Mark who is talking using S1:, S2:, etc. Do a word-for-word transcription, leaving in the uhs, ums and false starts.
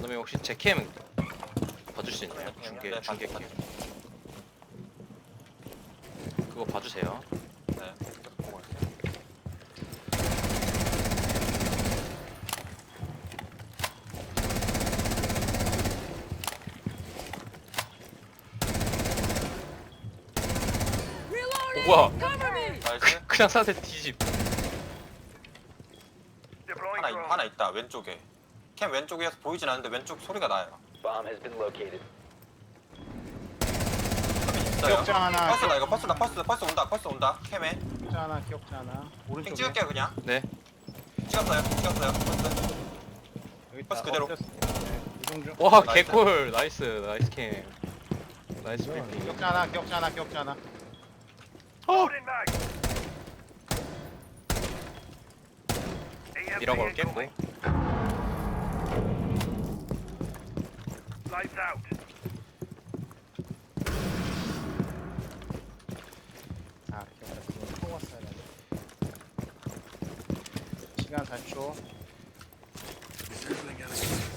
S1: 그다음에 혹시 제 캠 봐줄 수 있나요? 중계
S2: 네,
S1: 중계
S2: 봐줘,
S1: 캠. 그거 봐주세요.
S2: 네. 계속 보고 있어요.
S1: 오, 뭐야?
S2: 나이스.
S1: 그냥 사세 뒤집.
S2: 하나 있- 하나 있다 왼쪽에. 캠 왼쪽에서 보이진 않는데 왼쪽 소리가 나요.
S3: Bomb has been located.
S2: 있어요.
S4: 기억자 하나.
S2: 퍼스다 이거 퍼스다 퍼스 퍼스 온다 퍼스 온다 캠에.
S4: 기억자 하나, 기억자 하나.
S2: 핑
S4: 오른쪽에.
S2: 찍을게요 그냥.
S1: 네.
S2: 찍었어요 찍었어요 퍼스.
S4: 여기
S2: 버스
S4: 있다.
S2: 그대로.
S4: 엎드렸어. 네, 이동 중.
S1: 와
S2: 나이스.
S1: 개꿀. 나이스 나이스 캠. 나이스 브리핑.
S4: 기억자 하나, 기억자 하나, 기억자 하나.
S1: 어. 이런 걸 깼고.
S4: 아, 기억자 그거 또 왔어야 돼. 시간 사 초.
S5: Refueling enemy.